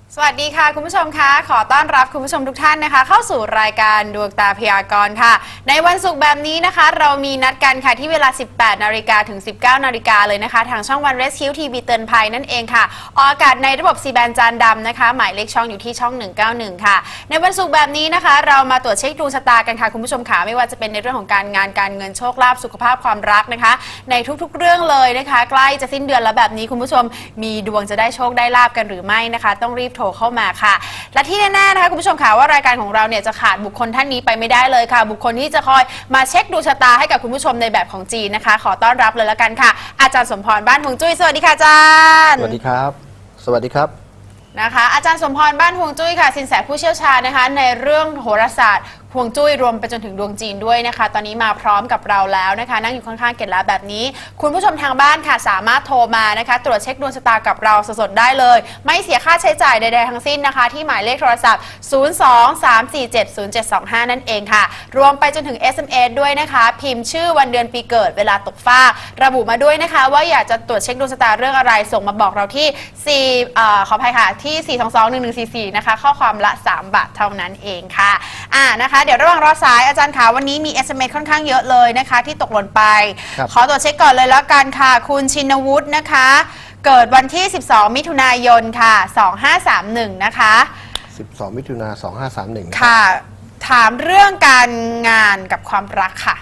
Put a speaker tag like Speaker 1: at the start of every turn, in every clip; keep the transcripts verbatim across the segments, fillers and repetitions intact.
Speaker 1: สวัสดีค่ะคุณผู้ชมคะขอต้อนรับคุณผู้ชมทุกท่านนะคะเข้าสู่รายการดวงตาพยากรณ์ค่ะในวันศุกร์แบบนี้นะคะเรามีนัดกันค่ะที่เวลา สิบแปดนาฬิกา ถึง สิบเก้านาฬิกาเลยนะคะทางช่องวัน Rescue ที วี เตือนภัยนั่นเองค่ะออกอากาศในระบบ ซี แบน จานดำนะคะหมายเลขช่องอยู่ที่ช่องหนึ่งเก้าหนึ่งค่ะในวันศุกร์แบบนี้นะคะเรามาตรวจเช็คดวงชะตากันค่ะคุณผู้ชมค่ะไม่ว่าจะเป็นในเรื่องของการงานการเงินโชคลาภสุขภาพความรักนะคะในทุกๆเรื่องเลยนะคะใกล้จะสิ้นเดือนแล้วแบบนี้คุณผู้ชมมีดวงจะได้โชคได้ลาภกันหรือไม่นะคะต้องรีบโทรเข้ามาค่ะและที่แน่ๆนะคะคุณผู้ชมค่ะว่ารายการของเราเนี่ยจะขาดบุคคลท่านนี้ไปไม่ได้เลยค่ะบุคคลที่จะคอยมาเช็คดวงชะตาให้กับคุณผู้ชมในแบบของจีนนะคะขอต้อนรับเลยละกันค่ะอาจารย์สมพรบ้านฮวงจุ้ยสวัสดีค่ะอาจารย์
Speaker 2: สวัสดีครับสวัสดีครับ
Speaker 1: นะคะอาจารย์สมพรบ้านฮวงจุ้ยค่ะสินแสผู้เชี่ยวชาญนะคะในเรื่องโหราศาสตร์ฮวงจุ้ยรวมไปจนถึงดวงจีนด้วยนะคะตอนนี้มาพร้อมกับเราแล้วนะคะนั่งอยู่ข้างๆเกศแล้วแบบนี้คุณผู้ชมทางบ้านค่ะสามารถโทรมานะคะตรวจเช็คดวงชะตากับเราสดๆได้เลยไม่เสียค่าใช้จ่ายใดๆทั้งสิ้นนะคะที่หมายเลขโทรศัพท์ศูนย์ สอง สาม สี่ เจ็ด ศูนย์ เจ็ด สอง ห้านั่นเองค่ะรวมไปจนถึง เอส เอ็ม เอส ด้วยนะคะพิมพ์ชื่อวันเดือนปีเกิดเวลาตกฟ้าระบุมาด้วยนะคะว่าอยากจะตรวจเช็คดวงชะตาเรื่องอะไรส่งมาบอกเราที่สี่เอ่อขออภัยค่ะที่สี่ สอง สอง หนึ่ง หนึ่ง สี่ สี่นะคะข้อความละสามบาทเท่านั้นเองค่ะอ่านะคะเดี๋ยวระหว่างรอสายอาจารย์คะวันนี้มี เอส เอ็ม เอส ค่อนข้างเยอะเลยนะคะที่ตกหล่นไปขอตรวจเช็คก่อนเลยแล้วกันค่ะคุณชินวุฒินะคะเกิดวันที่สิบสองมิถุนายนค่ะสองห้าสามหนึ่งนะคะ
Speaker 2: สิบสองมิถุนายนสองห้าสามหนึ่ง
Speaker 1: ค่ะถามเรื่องการงานกับความรักค่ะ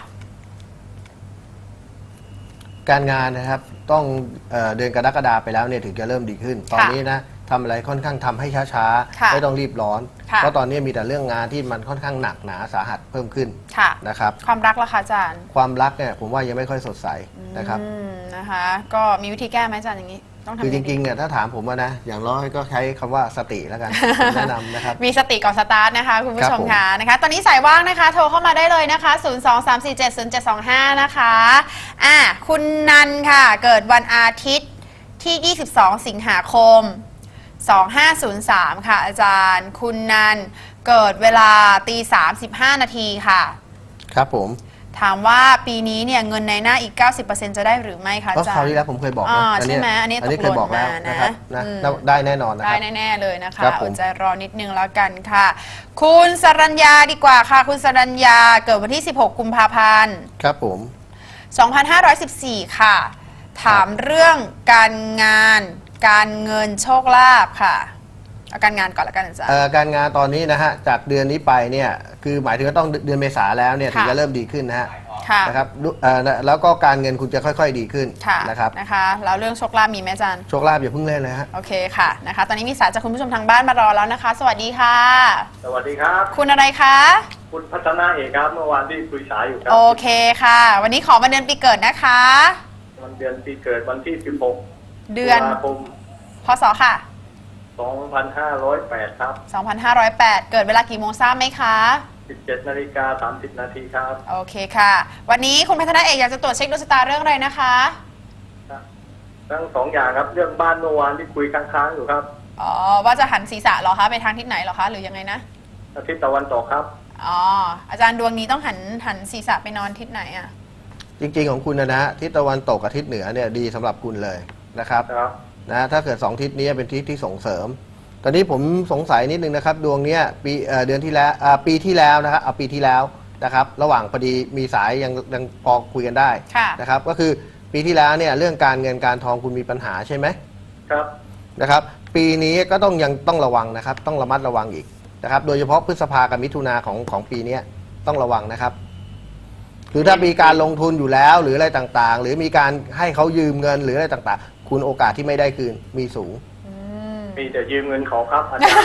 Speaker 2: การงานนะครับต้องเอ่อเดือนกรกฎาคมไปแล้วเนี่ยถึงจะเริ่มดีขึ้นตอนนี้นะทำอะไรค่อนข้างทำให้ช้าๆไม่ต้องรีบร้อนเพราะตอนนี้มีแต่เรื่องงานที่มันค่อนข้างหนักหนาสาหัสเพิ่มขึ้นนะครับ
Speaker 1: ความรักล่ะคะอาจารย์
Speaker 2: ความรักเนี่ยผมว่ายังไม่ค่อยสดใสนะครับ
Speaker 1: นะคะก็มีวิธีแก้ไหมอาจารย์อย่างนี้
Speaker 2: คือจริงๆเนี่ยถ้าถามผมว่านะอย่างน้อยก็ใช้คำว่าสติแล้วกันแนะนำนะครับ
Speaker 1: มีสติก่อนสตาร์ทนะคะคุณผู้ชมค่ะนะคะตอนนี้สายว่างนะคะโทรเข้ามาได้เลยนะคะศูนย์ สอง สาม สี่ เจ็ด ศูนย์ เจ็ด สอง ห้านะคะอ่ะคุณนันค่ะเกิดวันอาทิตย์ที่ยี่สิบสองสิงหาคมสองห้าศูนย์สามค่ะอาจารย์คุณนันเกิดเวลาตีสามสิบห้านาทีค่ะ
Speaker 2: ครับผม
Speaker 1: ถามว่าปีนี้เนี่ยเงินในหน้าอีก เก้าสิบเปอร์เซ็นต์ จะได้หรือไม่คะอาจารย์
Speaker 2: คราวที่แล้วผมเคยบอกนะ
Speaker 1: ใช่ไหมอันนี้ตกหล่นมา
Speaker 2: นะครับนะได้แน่นอนนะครับ
Speaker 1: ได้แน่ๆเลยนะคะอดใจรอนิดนึงแล้วกันค่ะคุณสรัญญาดีกว่าค่ะคุณสรัญญาเกิดวันที่สิบหกกุมภาพันธ์
Speaker 2: ครับผม
Speaker 1: สองพันห้าร้อยสิบสี่ค่ะถามเรื่องการงานการเงินโชคลาภค่ะเอาการงานก่อนละกันอาจารย์
Speaker 2: การงานตอนนี้นะฮะจากเดือนนี้ไปเนี่ยคือหมายถึงว่าต้องเดือนเมษาแล้วเนี่ยถึงจะเริ่มดีขึ้นนะฮะนะครับแล้วก็การเงินคุณจะค่อยๆดีขึ้นนะครับ
Speaker 1: นะคะแล้วเรื่องโชคลาภมีไหมอาจารย์
Speaker 2: โชคลาภอย่าเพิ่งเล่นเลยฮะ
Speaker 1: โอเคค่ะนะคะตอนนี้มีสายจากคุณผู้ชมทางบ้านมารอแล้วนะคะสวัสดีค่ะ
Speaker 3: สวัสดีครับ
Speaker 1: คุณอะไรคะ
Speaker 3: คุณพัฒนาเอกครับเมื่อวานที่คุยสายอยู่ครับ
Speaker 1: โอเคค่ะวันนี้ขอวันเดือนปีเกิดนะคะ
Speaker 3: วันเดือนปีเกิดวันที่สิบหก
Speaker 1: เดือน
Speaker 3: ตุลาคม
Speaker 1: พศค่ะ
Speaker 3: สองพันห้าร้อยแปดครับ
Speaker 1: สองพันห้าร้อยแปดเกิดเวลากี่โมงทราบไหมคะ
Speaker 3: สิบเจ็ดนาฬิกาสามสิบนาทีครับ
Speaker 1: โอเคค่ะวันนี้คุณพัฒนาเอกอยากจะตรวจเช็คดวงชะตาเรื่องอะไรนะคะ
Speaker 3: ทั้งสองอย่างครับเรื่องบ้านเมื่อวานที่คุยค้างๆอยู่ครับ
Speaker 1: อ๋อว่าจะหันศีรษะเหรอคะไปทางทิศไหนเหรอคะหรือยังไงนะ
Speaker 3: ทิศตะวันตกครับ
Speaker 1: อ๋ออาจารย์ดวงนี้ต้องหันหันศีรษะไปนอนทิศไหนอ่ะ
Speaker 2: จริงๆของคุณนะนะทิศตะวันตกกับทิศเหนือเนี่ยดีสำหรับคุณเลยนะครับนะถ้าเกิดสองทิศนี้เป็นทิศที่ส่งเสริมตอนนี้ผมสงสัยนิดนึงนะครับดวงนี้ปีเดือนที่แล้วปีที่แล้วนะครับเอาปีที่แล้วนะครับระหว่างพอดีมีสายยังยังพอคุยกันได้นะครับก็คือปีที่แล้วเนี่ยเรื่องการเงินการทองคุณมีปัญหาใช่ไหม
Speaker 3: ครับ
Speaker 2: นะครับปีนี้ก็ต้องยังต้องระวังนะครับต้องระมัดระวังอีกนะครับโดยเฉพาะพฤษภากับมิถุนาของของปีนี้ต้องระวังนะครับคือถ้ามีการลงทุนอยู่แล้วหรืออะไรต่างๆหรือมีการให้เขายืมเงินหรืออะไรต่างๆคุณโอกาสที่ไม่ได้คืนมีสูง
Speaker 3: มีแต่ยืมเงินเขาครับอาจารย์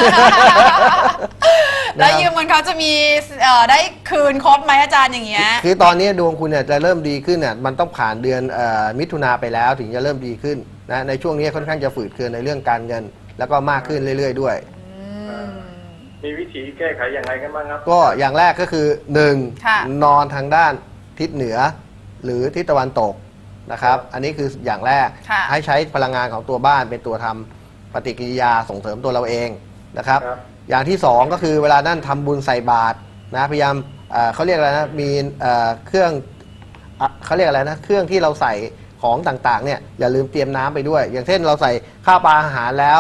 Speaker 1: แล้วยืมเงินเขาจะมีได้คืนครบไหมอาจารย์อย่างเงี้ย
Speaker 2: คือตอนนี้ดวงคุณเนี่ยจะเริ่มดีขึ้นเนี่ยมันต้องผ่านเดือนมิถุนาไปแล้วถึงจะเริ่มดีขึ้นนะในช่วงนี้ค่อนข้างจะฝืดเคืองในเรื่องการเงินแล้วก็มากขึ้นเรื่อยๆด้วย
Speaker 3: มีวิธีแก้ไขยังไงกันบ้างครับ
Speaker 2: ก็อย่างแรกก็คือหนึ่งนอนทางด้านทิศเหนือหรือทิศตะวันตกนะครับอันนี้คืออย่างแรกให้ใช้พลังงานของตัวบ้านเป็นตัวทำปฏิกิริยาส่งเสริมตัวเราเองนะครับอย่างที่สองก็คือเวลานั่นทำบุญใส่บาตรนะพยายามเขาเรียกอะไรนะมีเครื่องเขาเรียกอะไรนะเครื่องที่เราใส่ของต่างๆเนี่ยอย่าลืมเตรียมน้ำไปด้วยอย่างเช่นเราใส่ข้าวปลาอาหารแล้ว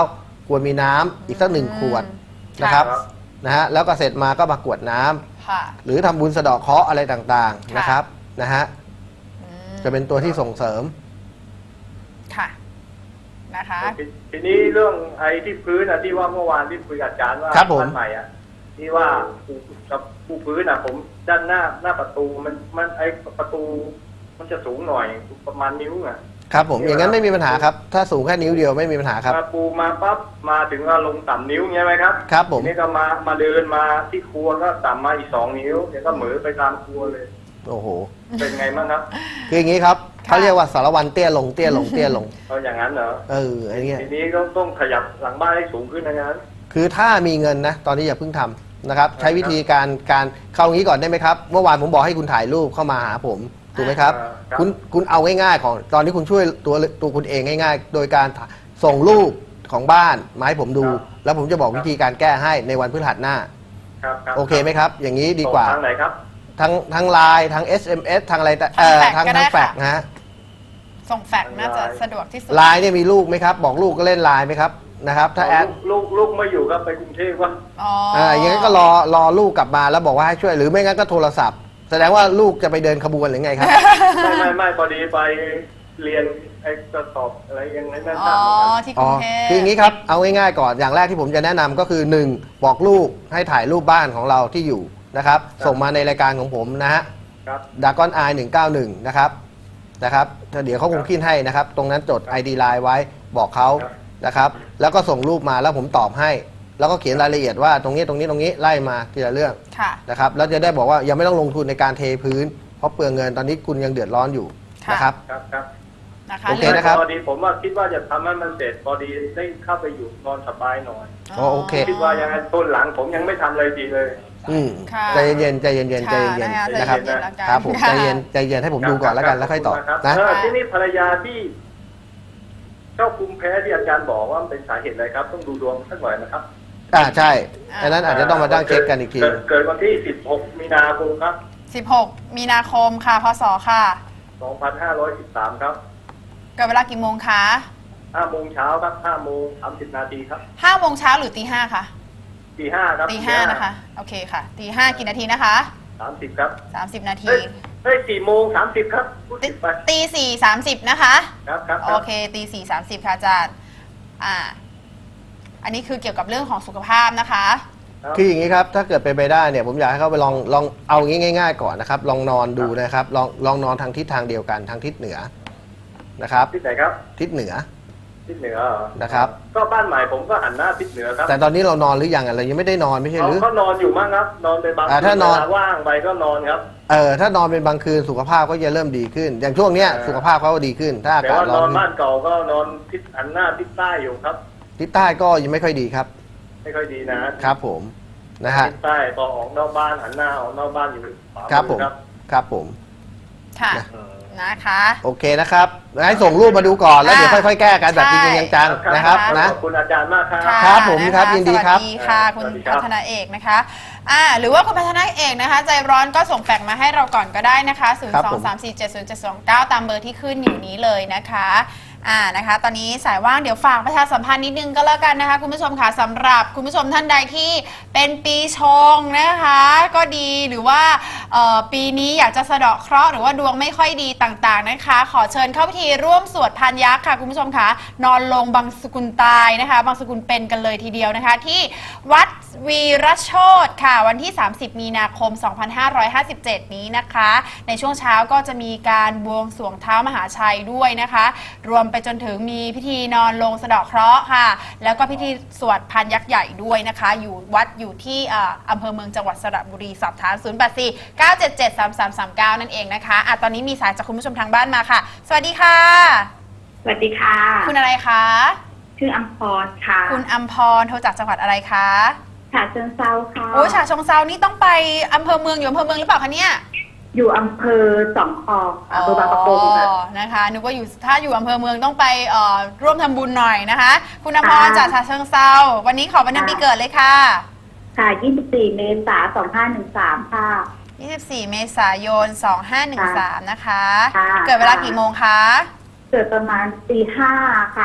Speaker 2: ควรมีน้ำอีกสักหนึ่งขวดนะครับนะฮะแล้วก็เสร็จมาก็มากรวดน้ำ
Speaker 1: ค่ะ
Speaker 2: หรือทำบุญสะเดาะเคราะห์อะไรต่างๆ
Speaker 1: ค่ะ
Speaker 2: นะครับนะฮะ
Speaker 1: อืม
Speaker 2: จะเป็นตัวที่ส่งเสริม
Speaker 1: ค่ะนะคะ
Speaker 3: ทีทีนี้เรื่องไอ้ที่พื้นอะที่ว่าเมื่อวานที่คุยกับอาจารย์ว่า
Speaker 2: ครับผม
Speaker 3: บ้านใหม่อะที่ว่าปูกับปูพื้นอะผมด้านหน้าหน้าประตูมันมันไอ้ประตู มันจะสูงหน่อยประมาณนิ้วอะ
Speaker 2: ครับผมอย่างนั้นไม่มีปัญหาครับถ้าสูงแค่นิ้วเดียวไม่มีปัญหาครับ
Speaker 3: มาปูมาปั๊บมาถึงว่าลงต่ำนิ้วใช่ไหมครับ
Speaker 2: ครับผม
Speaker 3: ทีนี้ก็มามาเดินมาที่ครัวก็ต่ำมาอีกสองนิ้วเดี๋ยวก็เหมือไปตามครัวเลย
Speaker 2: โอ้โห
Speaker 3: เป็นไงบ้างครับ
Speaker 2: คืออย่างนี้ครับเขาเรียกว่าสารวันเตี้ยลงเตี้ยลงเตี้ยลง
Speaker 3: เอาอย่างนั้นเหรอ
Speaker 2: เออไอ้เนี้ย
Speaker 3: ทีนี้ก็ต้องขยับหลังบ้านให้สูงขึ้นนะงั้น
Speaker 2: คือถ้ามีเงินนะตอนนี้อย่าเพิ่งทำนะครับใช้วิธีการการเข้าอย่างนี้ก่อนได้ไหมครับเมื่อวานผมบอกให้คุณถ่ายรูปเข้ามาหาผมถูกไหมครับ
Speaker 3: อ่าครับ
Speaker 2: คุณคุณเอาง่ายๆของตอนนี้คุณช่วยตัวตัวคุณเองง่าย ๆ โดยการส่งรูปของบ้านมาให้ผมดู แล้วผมจะบอกวิธีการแก้ให้ในวันพฤหัสหน้า
Speaker 3: ครับครับ
Speaker 2: โอเคไหมครับ อย่างนี้ดีกว่า
Speaker 3: ส่งทางไหนครับ
Speaker 2: ทั้งทั้งไลน์ทั้ง เอส เอ็ม เอส ทางอะไรแต่เอ่อ
Speaker 1: ทาง
Speaker 2: ทั้ง
Speaker 1: แฟกซ์ก็ได้
Speaker 2: ทั้งแฟกซ์
Speaker 1: ค่ะ
Speaker 2: นะฮะ
Speaker 1: ส่งแฟกซ์น่าจะสะดวกที่สุด
Speaker 2: ไลน์เนี่ยมีลูกไหมครับ บอกลูกก็เล่นไลน์ไหมครับนะครับถ้าแอด
Speaker 3: ลูกลูกไม่อยู่ครับไปกรุงเทพว่า
Speaker 1: อ๋อ
Speaker 2: อ่าอย่างนั้นก็รอรอลูกกลับมาแล้วบอกว่าให้ช่วยหรือไม่งั้นก็โทรศัพท์ แสดงว่าลูกจะไปเดินขบวนหรือไงครับ
Speaker 3: ไม่ไม่ไม่พอดีไปเรียนไอ้กระสอบอะไรยังไงนั่น
Speaker 1: อ๋
Speaker 3: ทรา
Speaker 1: อบ
Speaker 3: เหมือนกัน
Speaker 1: ที่ก
Speaker 2: อ๋
Speaker 1: รุ
Speaker 2: อง
Speaker 1: เทพ
Speaker 2: คืออย่างนี้ครับเอาง่ายๆก่อนอย่างแรกที่ผมจะแนะนำก็คือหนึ่งบอกลูกให้ถ่ายรูปบ้านของเราที่อยู่นะครับส่งมาในรายการของผมนะฮะ
Speaker 3: ครับ
Speaker 2: ดากอนไอหนึ่งเก้าหนึ่งนะครับนะครับเดี๋ยวเขาคงขึ้นให้นะครับ ตรงนั้นจด ไอ ดี Line ไว้บอกเขานะครับแล้วก็ส่งรูปมาแล้วผมตอบให้ แล้วก็เขียนรายละเอียดว่าตรงนี้ตรงนี้ตรงนี้ไล่มาทีละเรื่อง
Speaker 1: ค่ะ
Speaker 2: นะครับแล้วจะได้บอกว่ายังไม่ต้องลงทุนในการเทพื้น เพราะเปลืองเงินตอนนี้คุณยังเดือดร้อนอยู่
Speaker 1: ค่ะ
Speaker 2: นะครับ
Speaker 3: ครับครับ
Speaker 1: นะคะ
Speaker 2: โอเคนะครับ
Speaker 3: พอดีผมว่าคิดว่าจะทำให้มันเสร็จพอดีได้เข้าไปอยู่นอนสบายหน่อย
Speaker 2: อ๋อโอเค
Speaker 3: คิดว่ายังไงต้นหลังผมยังไม่ทำเลยดีเลย
Speaker 2: อืม
Speaker 1: ค่ะ
Speaker 2: ใจเย็นๆใจเย็นๆใจเย็น
Speaker 1: ค่ะ
Speaker 2: ๆนะครับ
Speaker 1: ใจเย็นๆแล้วกัน
Speaker 2: ครับผม
Speaker 1: ค่ะ
Speaker 2: ใจเย็นใจเย็นให้ผมดูก่อนแล้วกันแล้วค่อยตอบ
Speaker 3: ครับ
Speaker 2: นะ
Speaker 3: เออที่นี่ภรรยาที่เจ้าภูมิแพ้ที่อาจารย์บอกว่ามันเป็นสาเหตุอะไรครับ ต้องดูดวงสักหน่อยนะครับ
Speaker 2: อ่าใช่อันนั้นอาจจะต้องมาตั้งเช็คกันอีกที
Speaker 3: เกิดเกิดวันที่สิบหกมีนาคมครับ
Speaker 1: สิบหกมีนาคมค่ะพศค่ะ
Speaker 3: สองพันห้าร้อยสิบสามครับ
Speaker 1: เกิดเวลากี่โมงคะ
Speaker 3: ห้าโมงเช้าครับห้าโมงสามสิบนาทีครับ
Speaker 1: ห้าโมงเช้าหรือตีห้าคะ
Speaker 3: ตีห้าครับ
Speaker 1: ตีห้านะคะโอเคค่ะตีห้ากี่นาทีนะคะ
Speaker 3: สามสิบครับ
Speaker 1: สามสิบนาที
Speaker 3: เฮ้ยเฮ้ยสี่โมงสามสิบครับพูด
Speaker 1: ตี
Speaker 3: ผิดไป
Speaker 1: ตีสี่สามสิบนะคะ
Speaker 3: ครับครับ
Speaker 1: โอเคตีสี่สามสิบค่ะอาจารย์อ่าอันนี้คือเกี่ยวกับเรื่องของสุขภาพนะคะ
Speaker 3: ครับ
Speaker 2: คืออย่างนี้ครับถ้าเกิดเป็นไปได้เนี่ยผมอยากให้เขาไปลองลองเอางี้ง่าย ๆ ก่อนนะครับลองนอนดูนะครับลองลองนอนทางทิศทางเดียวกันทางทิศเหนือนะครับ
Speaker 3: ทิศไหนครับ
Speaker 2: ทิศเหนือ
Speaker 3: ทิศเหนือเหรอ
Speaker 2: นะครับ
Speaker 3: ก็บ้านใหม่ผมก็หันหน้าทิศเหนือครับ
Speaker 2: แต่ตอนนี้เรานอนหรือยังอะเรายังไม่ได้นอนไม่ใช่
Speaker 3: เขา
Speaker 2: หรือ
Speaker 3: ก็นอนอยู่มั้งครับ นอนไปบาง
Speaker 2: อ่า
Speaker 3: คื
Speaker 2: ถ้านอน
Speaker 3: เวลว่างไปก็นอนครับ
Speaker 2: เออถ้านอนเป็นบางคืนสุขภาพก็จะเริ่มดีขึ้น อย่างช่วงเนี้ย
Speaker 3: เออ
Speaker 2: สุขภาพเขาก็ดีขึ้น ถ้าอา
Speaker 3: แต่
Speaker 2: กาศ
Speaker 3: ว่าน
Speaker 2: ร้
Speaker 3: อ
Speaker 2: อน น
Speaker 3: บ้านเก่าก็นอนทิศหันหน้าทิศใต้อยู่ครับ
Speaker 2: ทิศใต้ก็ยังไม่ค่อยดีครับ
Speaker 3: ไม่ค่อยดีนะครับ
Speaker 2: ผมนะฮะ
Speaker 3: ทิศใต้พอออกนอกบ้านหันหน้าออกนอกบ้านอยู่ขวา
Speaker 2: ครับผม
Speaker 3: ครับ
Speaker 2: ครับผม
Speaker 1: ค่ะ
Speaker 2: นะ
Speaker 3: เออ
Speaker 1: นะคะ
Speaker 2: โอเคนะครับให้ส่งรูปมาดูก่อนแล้วเดี๋ยว
Speaker 1: อ่า
Speaker 2: ค่อยๆแก้กันแบบจริงๆจังๆนะครับนะ
Speaker 3: ขอบคุณอาจารย์มากครับ
Speaker 1: ค่ะ
Speaker 2: ครับผม
Speaker 1: นะะ
Speaker 2: ครับยินดีครับ
Speaker 1: สวัสดีค่ะ คุณ
Speaker 3: สวัสดีครับ
Speaker 1: พัฒนาเอกนะคะอ่าหรือว่าคุณพัฒนาเอกนะคะ ใจร้อนก็ส่งแฟกซ์มาให้เราก่อนก็ได้นะคะ ศูนย์
Speaker 2: ครับ
Speaker 1: สอ
Speaker 2: ผ
Speaker 1: ง
Speaker 2: ม
Speaker 1: สามสี่เจ็ดศูนย์เจ็ดสองเก้า ตามเบอร์ที่ขึ้นอยู่นี้เลยนะคะอ่านะคะ ตอนนี้สายว่างเดี๋ยวฝากประชาสัมพันธ์นิดนึงก็แล้วกันนะคะ คุณผู้ชมค่ะสำหรับคุณผู้ชมท่านใดที่เป็นปีชงนะคะ ก็ดีหรือว่าเอ่อปีนี้อยากจะสะเดาะเคราะห์หรือว่าดวงไม่ค่อยดีต่างๆนะคะ ขอเชิญเข้าพิธีร่วมสวดพานยักษ์ค่ะคุณผู้ชมค่ะนอนลงบางสกุลตายนะคะบางสกุลเป็นกันเลยทีเดียวนะคะ ที่วัดวีรโชตค่ะวันที่ สามสิบ มีนาคม สองพันห้าร้อยห้าสิบเจ็ด นี้นะคะ ในช่วงเช้าก็จะมีการบวงสรวงเท้ามหาชัยด้วยนะคะ รวมไปจนถึงมีพิธีนอนลงสะเดาะเคราะห์ค่ะ แล้วก็พิธีสวดพานยักษ์ใหญ่ด้วยนะคะ อยู่วัดอยู่ที่อ่าอำเภอเมืองจังหวัดสระบุรีสอบถาม ศูนย์ แปด สี่ เก้า เจ็ด เจ็ด สาม สาม สาม เก้า นั่นเองนะคะอ่ะตอนนี้มีสายจากคุณผู้ชมทางบ้านมาค่ะ สวัสดีค่ะ
Speaker 4: สวัสดีค่ะ
Speaker 1: คุณอะไรคะ
Speaker 4: ชื่ออัมพรค่ะ
Speaker 1: คุณอัมพรโทรจากจังหวัดอะไรคะ
Speaker 4: ฉะเชิงเซาค่ะ
Speaker 1: โอ้ยฉะเชิงเซานี่ต้องไปอำเภอเมืองอยู่อำเภอเมืองหรือเปล่าคะเนี่ย
Speaker 4: อยู่อำเภอสองคองอำเภอบางปะกงค่ะ
Speaker 1: อ๋อนะคะนึกว่าอยู่ถ้าอยู่อำเภอเมืองต้องไปเอ่อร่วมทำบุญหน่อยนะคะ คุณอภร
Speaker 4: ค่ะ
Speaker 1: จากฉะเชิงเซาวันนี้ขอวันเดือนปีเกิดเลยค่ะ
Speaker 4: ค่ะ ยี่สิบสี่ เมษายน สองพันห้าร้อยสิบสาม ค่ะ
Speaker 1: ยี่สิบสี่ เมษายน สองพันห้าร้อยสิบสาม นะคะ
Speaker 4: ค่ะ
Speaker 1: เกิดเวลากี่โมงคะ
Speaker 4: เกิดประมาณตีห้าค่ะ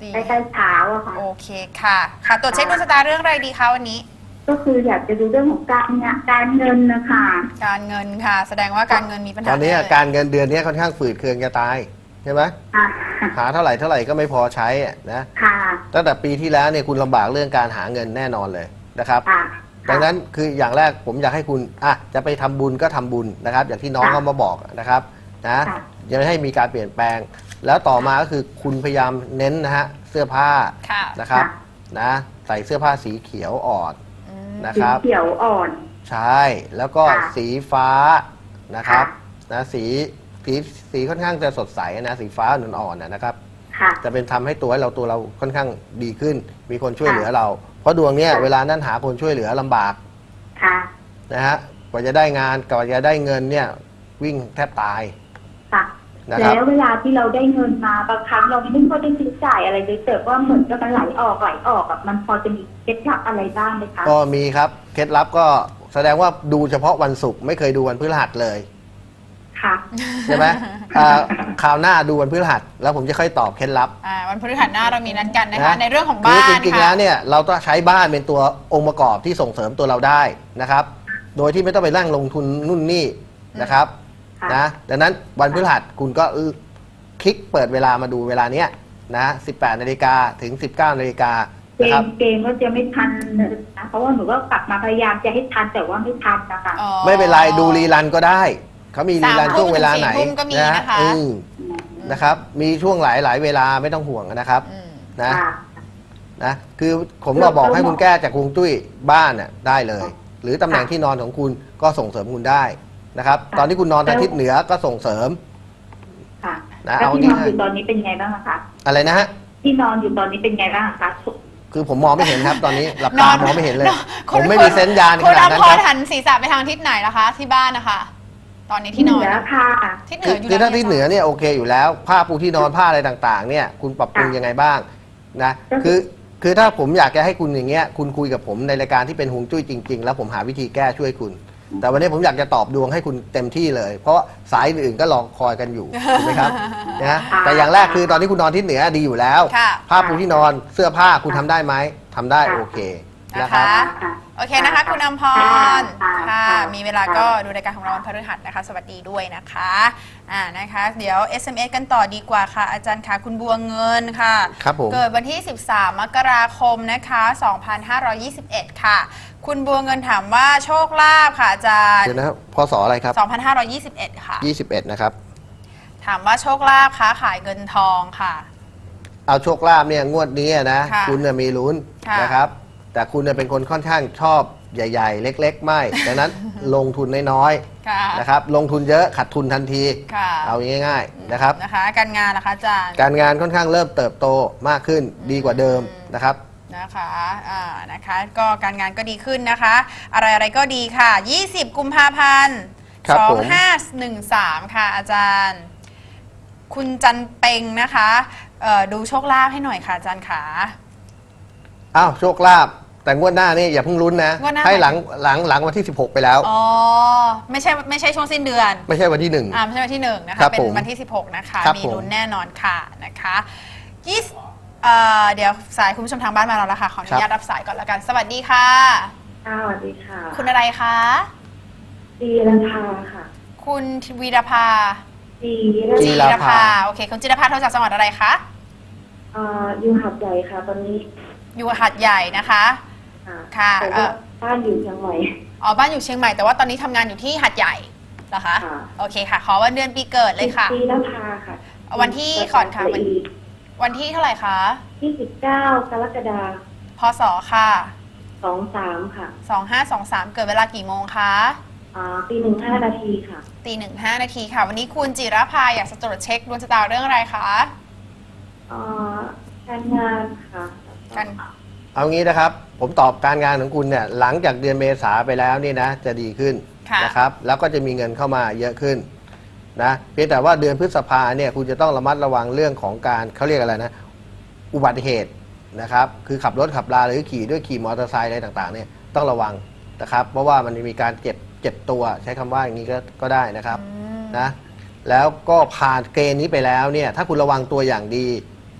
Speaker 1: ดี
Speaker 4: ใกล้ๆเช้าอะค่ะ
Speaker 1: โอเคค่ะ ค่ะตรวจเช็คดวงชะตาเรื่องอะไรดีคะวันนี้
Speaker 4: ก็คืออยากจะดูเรื่องของการงานการเงินนะคะ
Speaker 1: การเงินค่ะ แสดงว่าการเงินมีปัญหา
Speaker 2: ตอนนี้
Speaker 1: แเลย
Speaker 2: การเงินเดือนนี้ค่อนข้างฝืดเคืองจะตายใช่ไหม
Speaker 4: ค่ะ
Speaker 2: หาเท่าไหร่เท่าไหร่ก็ไม่พอใช้อะนะ
Speaker 4: ค่ะ
Speaker 2: ตั้งแต่ปีที่แล้วเนี่ยคุณลำบากเรื่องการหาเงินแน่นอนเลยนะครับ
Speaker 4: ค่ะ
Speaker 2: ดังนั้นคืออย่างแรกผมอยากให้คุณอ่ะจะไปทำบุญก็ทำบุญนะครับ อย่างที่น้องเขามาบอกนะครับนะยังไม่ให้มีการเปลี่ยนแปลง แล้วต่อมาก็คือคุณพยายามเน้นนะฮะเสื้อผ้า
Speaker 1: ค่ะ
Speaker 2: นะครับนะใส่เสื้อผ้าสีเขียวอ่อน
Speaker 1: อืม
Speaker 2: นะ
Speaker 4: สี
Speaker 2: ครับ
Speaker 4: เขียวอ่อน
Speaker 2: ใช่แล้วก็
Speaker 4: ค่ะ
Speaker 2: สีฟ้านะครับ
Speaker 4: ค่
Speaker 2: นะสีสีสีค่อนข้างจะสดใสนะสีฟ้าอ่อนๆนะนะครับ
Speaker 4: ค่ะ
Speaker 2: จะเป็นทำให้ตัวให้เราตัวเราค่อนข้างดีขึ้น มีคนช่วย
Speaker 4: ค่ะ
Speaker 2: เหลือเรา เพราะดวงเนี้ย
Speaker 4: ค่ะ
Speaker 2: เวลานั้นหาคนช่วยเหลือลำบาก
Speaker 4: ค่ะ
Speaker 2: นะฮะกว่าจะได้งานกว่าจะได้เงินเนี่ยวิ่งแทบตาย
Speaker 4: ค่ะ
Speaker 2: นะครับ
Speaker 4: แล้วเวลาที่เราได้เงินมาบางครั้งเราไม่ได้ค่อยได้ใช้จ่ายอะไรเลยแต่ว่าเหมือนกับมันไหลออกไหลออกแบบมันพอจะมีเคล็ดลับอะไรบ้างไหมคะ
Speaker 2: ก็มีครับเคล็ดลับก็แสดงว่าดูเฉพาะวันศุกร์ไม่เคยดูวันพฤหัสเลย
Speaker 4: ค่ะ
Speaker 2: ใช่ไหม อ่าคราวหน้าดูวันพฤหัสแล้วผมจะค่อยตอบเคล็ดลับ
Speaker 1: อ่าวันพฤหัสหน้าเรามีนัดกันนะคะ
Speaker 2: นะ
Speaker 1: ในเรื่องของบ้าน
Speaker 2: คือจริงๆ
Speaker 1: ค่ะ
Speaker 2: แล้วเนี่ยเราต้องใช้บ้านเป็นตัวองค์ประกอบที่ส่งเสริมตัวเราได้นะครับ โดยที่ไม่ต้องไปนั่งลงทุนนู่นนี่นะครับ
Speaker 4: ค่ะ
Speaker 2: นะดังนั้นวันพฤหัสคุณก็คลิกเปิดเวลามาดูเวลาเนี้ยนะสิบแปดนาฬิกาถึงสิบเก้านาฬิกา
Speaker 4: เก
Speaker 2: นะครับ
Speaker 4: มเกมก็จะไม่ทันนะเพราะว่าหนูก็กลับมาพยายามจะให้ทันแต่ว่าไม่ทันนะคะ
Speaker 1: อ๋อ
Speaker 2: ไม่เป็นไรดูรีรันก็ได้ เขามีรีรัน
Speaker 1: สามทุ่ม
Speaker 2: ช่วงเวลาไหน
Speaker 1: ถึงสี่ทุ่มก็มีนะคะ
Speaker 2: อืมนะครับ มีช่วงหลายหลายเวลาไม่ต้องห่วงนะครับ
Speaker 1: อืม
Speaker 2: นะ
Speaker 4: ค่ะ
Speaker 2: นะคือผมมาบอกให้คุณแก้จากฮวงจุ้ยบ้านน่ะได้เลย หรือตำแหน่งที่นอนของคุณก็ส่งเสริมคุณได้นะครับ ตอนที่คุณนอนทางทิศเหนือก็ส่งเสริม
Speaker 4: ค่ะ
Speaker 2: นะ
Speaker 4: แล้ว
Speaker 2: เอา
Speaker 4: ที่นอน
Speaker 2: ง่ายๆ
Speaker 4: อยู่ตอนนี้เป็นไงบ้างอะคะ
Speaker 2: อะไรนะฮะ
Speaker 4: ที่นอนอยู่ตอนนี้เป็นไงบ้างอะคะ
Speaker 2: คือผมมองไม่เห็นครับ ตอนนี้หลับ
Speaker 1: น
Speaker 2: ตา
Speaker 1: อน
Speaker 2: มองไม่เห็นเลย
Speaker 1: นอน
Speaker 2: ผมไม่
Speaker 1: คุณ
Speaker 2: มีเซนส์ยานข
Speaker 1: คุณ
Speaker 2: นา
Speaker 1: อ
Speaker 2: ดนั้น
Speaker 1: ภ
Speaker 2: ค
Speaker 1: ร
Speaker 2: รับ
Speaker 1: หันศีรษะไปทางทิศไหนล่ะคะ ที่บ้านนะคะ ตอนนี้ที่นอน
Speaker 4: เหนือค่ะ
Speaker 1: ทิศเหนื
Speaker 2: คือ
Speaker 1: ออยู่
Speaker 2: คือถ้า
Speaker 1: แล้ว
Speaker 2: ที่เหนือเนี่ยโอเคอยู่แล้ว ผ้าปูที่นอนผ้าอะไรต่างๆ เนี่ยคุณปรับปรุงยังไงบ้างนะคือคือถ้าผมอยากจะให้คุณอย่างเงี้ยคุณคุยกับผมในรายการที่เป็นฮวงจุ้ยจริง ๆ แล้วผมหาวิธีแก้ช่วยคุณ แต่วันนี้ผมอยากจะตอบดวงให้คุณเต็มที่เลย เพราะสายอื่นๆก็รอคอยกันอยู่ถูกไหมครับนะแต่อย่างแรกคือตอนนี้คุณนอนทิศเหนือดีอยู่แล้ว
Speaker 1: ค่ะ
Speaker 2: ผ้าปูที่นอนเสื้อผ้าคุณทำได้ไหมทำได้โอเคนะ
Speaker 1: นะ
Speaker 2: ครั
Speaker 1: คะ
Speaker 2: บ
Speaker 4: ค่ะ
Speaker 1: โอเคนะคะ คุณอภร
Speaker 4: ค่ะ
Speaker 1: ค่ะ
Speaker 4: ค่ะ
Speaker 1: มีเวลาก็ดูรายการของเราวันพฤหัสนะคะ สวัสดีด้วยนะคะอ่านะคะ เดี๋ยว เอส เอ็ม เอส กันต่อดีกว่าค่ะ อาจารย์คะคุณบัวเงินค่ะ
Speaker 2: ครับผม
Speaker 1: เกิดวันที่ สิบสาม มกราคมนะคะ สองพันห้าร้อยยี่สิบเอ็ด ค่ะ คุณบัวเงินถามว่าโชคลาภค่ะอาจารย์
Speaker 2: เดี๋ยวนะครับพศอะไรครับ
Speaker 1: สองพันห้าร้อยยี่สิบเอ็ด ค่ะ
Speaker 2: ยี่สิบเอ็ดนะครับ
Speaker 1: ถามว่าโชคลาภค้าขายเงินทองค่ะ
Speaker 2: เอาโชคลาภเนี่ยงวดนี้นะ
Speaker 1: ค่ะ
Speaker 2: คุณเนี่ยมีลุ้น
Speaker 1: ค่ะ
Speaker 2: นะครับ แต่คุณเนี่ยเป็นคนค่อนข้างชอบใหญ่ ๆ เล็ก ๆ ไม่ ดังนั้น ลงทุนน้อย
Speaker 1: ค่ะ
Speaker 2: ๆนะครับ ลงทุนเยอะขาดทุนทันที
Speaker 1: ค่ะ
Speaker 2: เอาง่ายๆนะครับ
Speaker 1: นะคะ การงานนะคะอาจารย์
Speaker 2: การงานค่อนข้างเริ่มเติบโตมากขึ้นดีกว่าเดิมนะครับ
Speaker 1: นะคะอ่านะคะ ก็การงานก็ดีขึ้นนะคะ อะไรอะไรก็ดีค่ะ ยี่สิบ กุมภาพันธ์
Speaker 2: ครับ
Speaker 1: สอ
Speaker 2: ผ
Speaker 1: ง
Speaker 2: ม
Speaker 1: ห้าหนึ่งสาม ค่ะ อาจารย์ คุณจันเปงนะคะเอ่อดูโชคลาภให้หน่อยค่ะอาจารย์ขา
Speaker 2: อ้าวโชคลาภแต่งวดหน้านี่อย่าเพิ่งลุ้นนะ
Speaker 1: งวดหน้า
Speaker 2: ให้หลังหลังหลังวันที่สิบหกไปแล้ว
Speaker 1: อ๋อ ไม่ใช่ไม่ใช่ช่วงสิ้นเดือน
Speaker 2: ไม่ใช่วันที่หนึ่ง
Speaker 1: อ่าไม่ใช่วันที่หนึ่งนะ
Speaker 2: ครั
Speaker 1: คะ
Speaker 2: บ
Speaker 1: เป็น
Speaker 2: ผม
Speaker 1: วันที่สิบหกนะคะ
Speaker 2: ครับ
Speaker 1: มี
Speaker 2: ผม
Speaker 1: ลุ้นแน่นอนค่ะนะคะยี่สิบเอ่อเดี๋ยวสายคุณผู้ชมทางบ้านมาแล้วละค่ะ ขออนุญาตรับสายก่อนแล้วกัน สวัสดีค่ะ
Speaker 4: ค่ะสวัสดีค่ะ
Speaker 1: คุณอะไรคะ
Speaker 4: จีรันทาค่ะ
Speaker 1: คุณวีรภา
Speaker 4: จี
Speaker 2: จี
Speaker 1: จี
Speaker 2: ร
Speaker 1: ร
Speaker 2: ภา
Speaker 1: ภาโอเคคุณจิรภาโทรจากจังหวัดอะไรคะ
Speaker 4: เอ่ออยู่หัดใหญ่ค่ะ ตอนนี้
Speaker 1: อยู่หัดใหญ่นะคะ
Speaker 4: ค่ะ
Speaker 1: ค่ะ
Speaker 4: แต่
Speaker 1: เอ่
Speaker 4: ว่า
Speaker 1: อ
Speaker 4: บ้านอยู่เชียงใหม่
Speaker 1: อ๋อบ้านอยู่เชียงใหม่แต่ว่าตอนนี้ทำงานอยู่ที่หัดใหญ่เหรอคะ
Speaker 4: ค่ะ
Speaker 1: โอเคค่ะ ขอวันเดือนปีเกิดเลยค่ะ
Speaker 4: จีรันทาค่ะ
Speaker 1: วันที่ก่อนค่ะวัน วันที่เท่าไหร่คะ
Speaker 4: ที่สิบเก้ากรกฎา
Speaker 1: พศค่ะ
Speaker 4: สองสามค่ะ
Speaker 1: สองห้าสองสามเกิดเวลากี่โมงคะ
Speaker 4: อ่าตีหนึ่งห้านาทีค่ะ
Speaker 1: ตีหนึ่งห้านาทีค่ะ วันนี้คุณจิรภาอยากจะตรวจเช็คดวงชะตาเรื่องอะไรคะ
Speaker 4: อ่าการงานค่ะ
Speaker 1: กัน
Speaker 2: เอางี้นะครับ ผมตอบการงานของคุณเนี่ยหลังจากเดือนเมษาไปแล้วนี่นะจะดีขึ้น
Speaker 1: ค่ะ
Speaker 2: นะครับ แล้วก็จะมีเงินเข้ามาเยอะขึ้นนะเพียงแต่ว่าเดือนพฤษภาเนี่ยคุณจะต้องระมัดระวังเรื่องของการเขาเรียกอะไรนะอุบัติเหตุนะครับ คือขับรถขับราหรือขี่ด้วยขี่มอเตอร์ไซค์อะไรต่างๆเนี่ยต้องระวังนะครับ เพราะว่ามันมีการเจ็บเจ็บตัวใช้คำว่าอย่างนี้ก็ก็ได้นะครับ
Speaker 1: อืม
Speaker 2: นะแล้วก็ผ่านเกณฑ์นี้ไปแล้วเนี่ยถ้าคุณระวังตัวอย่างดี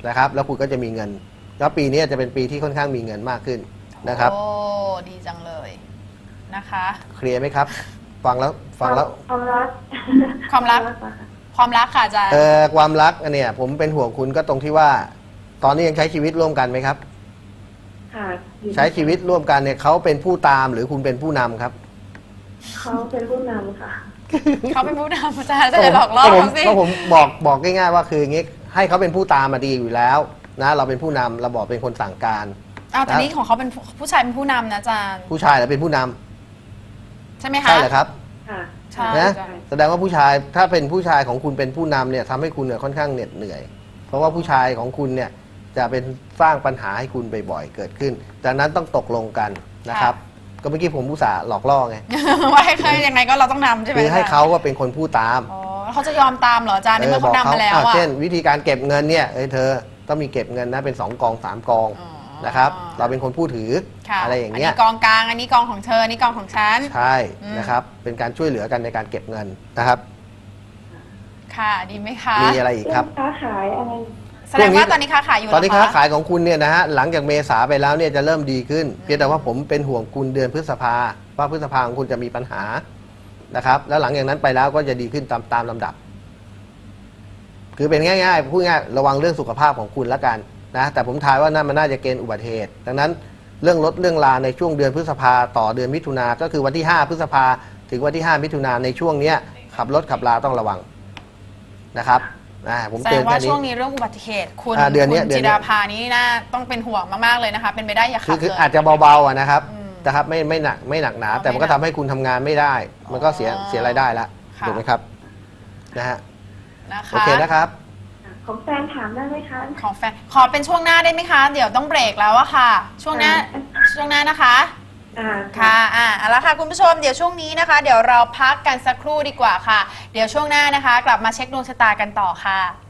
Speaker 2: นะครับ แล้วคุณก็จะมีเงินแล้วปีนี้จะเป็นปีที่ค่อนข้างมีเงินมากขึ้นนะครับ
Speaker 1: โอ้ดีจังเลยนะคะ
Speaker 2: เคลียร์ไหมครับ ฟังแล้วฟังแล้ว
Speaker 4: ความรัก
Speaker 1: ความรัก ความรักค่ะอาจารย์
Speaker 2: เออความรักอันเนี่ยผมเป็นห่วงคุณก็ตรงที่ว่า ตอนนี้ยังใช้ชีวิตร่วมกันไหมครับ
Speaker 4: ค่ะอยู่
Speaker 2: ใช้ชีวิตร่วมกันเนี่ยเขาเป็นผู้ตามหรือคุณเป็นผู้นำครับ
Speaker 4: เขาเป็นผู้นำค่ะ
Speaker 1: เขาเป็นผู้นำอาจารย์จะหลอกล่อ
Speaker 2: ก็ผม
Speaker 1: เขาสิ
Speaker 2: ก็ผมบอกบอกง่ายๆว่าคืออย่างงี้ให้เขาเป็นผู้ตามมาดีอยู่แล้วนะเราเป็นผู้นำเราบอกเป็นคนสั่งการ
Speaker 1: อ้าวแต่นี้ของเขาเป็นผู้ผู้ชายเป็นผู้นำนะอาจารย์
Speaker 2: ผู้ชายแล้วเป็นผู้นำ
Speaker 1: ใช่ไหมคะ
Speaker 2: ใช่เหรอครับ
Speaker 4: ค่ะ
Speaker 1: ใช่
Speaker 2: นะ
Speaker 1: ใช่
Speaker 2: แสดงว่าผู้ชายถ้าเป็นผู้ชายของคุณเป็นผู้นำเนี่ยทำให้คุณเนี่ยค่อนข้างเหน็ดเหนื่อย เพราะว่าผู้ชายของคุณเนี่ยจะเป็นสร้างปัญหาให้คุณบ่อยๆเกิดขึ้นดังนั้นต้องตกลงกันนะครับ ก็เมื่อกี้ผมอุตส่าห์หลอกล่อไง
Speaker 1: ว่าให้ใครยังไงก็เราต้องนำใช่ไหม
Speaker 2: คือให้
Speaker 1: จรย์
Speaker 2: เขาว่าเป็นคนพูดตาม
Speaker 1: อ๋อแล้วเขาจะยอมตามเหรออาจารย์ในเมื่อเขานำมาแล้ว
Speaker 2: อ่ะ
Speaker 1: อะ
Speaker 2: เช่น วิธีการเก็บเงินเนี่ยเอ้ยเธอต้องมีเก็บเงินนะเป็นสองกองสามกอง
Speaker 1: อ๋อ
Speaker 2: นะครับ เราเป็นคนผู้ถือ
Speaker 1: ค่ะ
Speaker 2: อะไรอย่างเงี้ย
Speaker 1: นนี้กองกลางอันนี้กองของเธออันนี้กองของฉัน
Speaker 2: ใช่
Speaker 1: อืม
Speaker 2: นะครับเป็นการช่วยเหลือกันในการเก็บเงินนะครับ
Speaker 1: ค่ะดีไหมคะ
Speaker 2: มีอะไรอีกครับ
Speaker 4: ค้าขายอะไร
Speaker 1: แสดงว่าตอนนี้ค้าขายอยู่
Speaker 2: ตอนนี้
Speaker 1: เหร
Speaker 2: ค้า
Speaker 1: คะ
Speaker 2: ขายของคุณเนี่ยนะฮะหลังจากเมษาไปแล้วเนี่ยจะเริ่มดีขึ้น เพียงแต่ว่าผมเป็นห่วงคุณเดือนพฤษภาว่าพฤษภาของคุณจะมีปัญหานะครับ แล้วหลังจากนั้นไปแล้วก็จะดีขึ้นตามตามลำดับ คือเป็นง่ายๆพูดง่ายระวังเรื่องสุขภาพของคุณละกันนะแต่ผมทายว่านั่นมันน่าจะเกณฑ์อุบัติเหตุ ดังนั้นเรื่องรถเรื่องลาในช่วงเดือนพฤษภาต่อเดือนมิถุนาก็คือวันที่ห้าพฤษภาถึงวันที่ห้ามิถุนาในช่วงเนี้ยขับรถขับลาต้องระวังนะครับอ่าผม
Speaker 1: แสด
Speaker 2: เตือง น
Speaker 1: ว่า
Speaker 2: แค่นี้
Speaker 1: ช่วงนี้เรื่องอุบัติเหตุคุณ
Speaker 2: อ่าเดือนเนี้ย
Speaker 1: คุณ
Speaker 2: เดือน
Speaker 1: จิ
Speaker 2: เนี้ย
Speaker 1: ดาภานี้น่าต้องเป็นห่วงมากๆเลยนะคะ เป็นไปได้อย่า
Speaker 2: คื
Speaker 1: ขั
Speaker 2: อบ คือ
Speaker 1: เลย
Speaker 2: อาจจะเบาๆอะนะครับ
Speaker 1: อืม
Speaker 2: นะครับไม่ไม่หนักไม่หนักหนา
Speaker 1: อ๋อ
Speaker 2: แต่มันก็
Speaker 1: ไม่หนั
Speaker 2: ทำ
Speaker 1: ก
Speaker 2: ให้คุณทำงานไม่ได้ มันก็เสีย
Speaker 1: อ๋อ
Speaker 2: เสียรายได้ละ
Speaker 1: ค่ะ
Speaker 2: ถูกไหมครับนะฮะ
Speaker 1: นะคะ
Speaker 2: โอเคนะครับ
Speaker 4: ของแฟนถามได้ไหมคะ
Speaker 1: ของแฟนขอเป็นช่วงหน้าได้ไหมคะ เดี๋ยวต้องเบรกแล้วอะค่ะ ช่วงหน้าช่วงหน้านะคะ
Speaker 4: อ่า
Speaker 1: ค่ะอ่ะเอาละค่ะคุณผู้ชมเดี๋ยวช่วงนี้นะคะ เดี๋ยวเราพักกันสักครู่ดีกว่าค่ะ เดี๋ยวช่วงหน้านะคะ กลับมาเช็คดวงชะตากันต่อค่ะ